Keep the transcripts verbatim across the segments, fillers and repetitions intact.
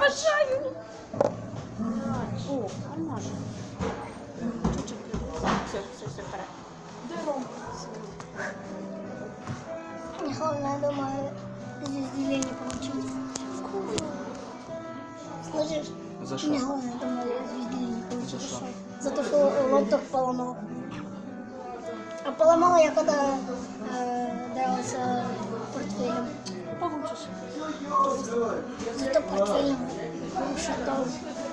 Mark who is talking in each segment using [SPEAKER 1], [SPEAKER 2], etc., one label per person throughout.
[SPEAKER 1] Обожаю. О, нормально. Чуть-чуть. Все, все, все, пора. Здорово.
[SPEAKER 2] Главное, думаю, здесь деление получить. Слышишь?
[SPEAKER 3] За
[SPEAKER 2] Мне
[SPEAKER 3] що?
[SPEAKER 2] главное, думаю, здесь деление получить.
[SPEAKER 3] За що?
[SPEAKER 2] За то, что лопток поломал. А поломал я, когда э, дрался портфелем.
[SPEAKER 1] Получишь.
[SPEAKER 2] Зато портфелем ушатал.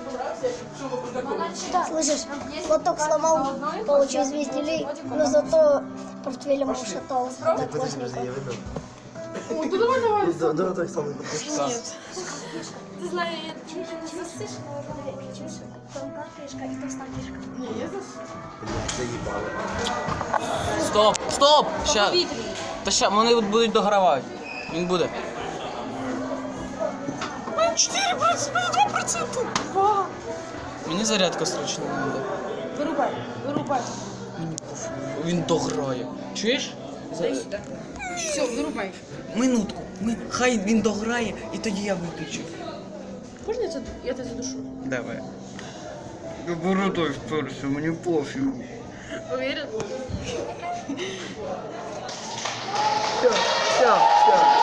[SPEAKER 2] Слышишь, лоток сломал, получил звезделей, но зато портфелем ушатал одноклассника.
[SPEAKER 1] Ой, да давай, давай.
[SPEAKER 4] Да, да, так само.
[SPEAKER 1] Нет. Ты знаешь, я
[SPEAKER 2] Чуть не засышь, чуть тонкая фишка и толстая фишка.
[SPEAKER 1] не, я зас...
[SPEAKER 4] Заїбали.
[SPEAKER 3] Стоп! Стоп! Ща.
[SPEAKER 1] Повітряний.
[SPEAKER 3] Та ща, вони от будуть догравати. Він буде. чотири процента!
[SPEAKER 1] Два.
[SPEAKER 3] Мені зарядка срочно треба.
[SPEAKER 1] Вирубай, вирубай.
[SPEAKER 3] Мені пофіг. Він дограє. Чуєш? За-
[SPEAKER 1] Все, вирубай.
[SPEAKER 3] Минутку. Ми... Хай він дограє, і тоді я виключу.
[SPEAKER 1] Можна я це, я тебе задушу?
[SPEAKER 3] Давай. Я бородой вперся, мені пофігу.
[SPEAKER 1] Уверен?
[SPEAKER 4] Все, все, все.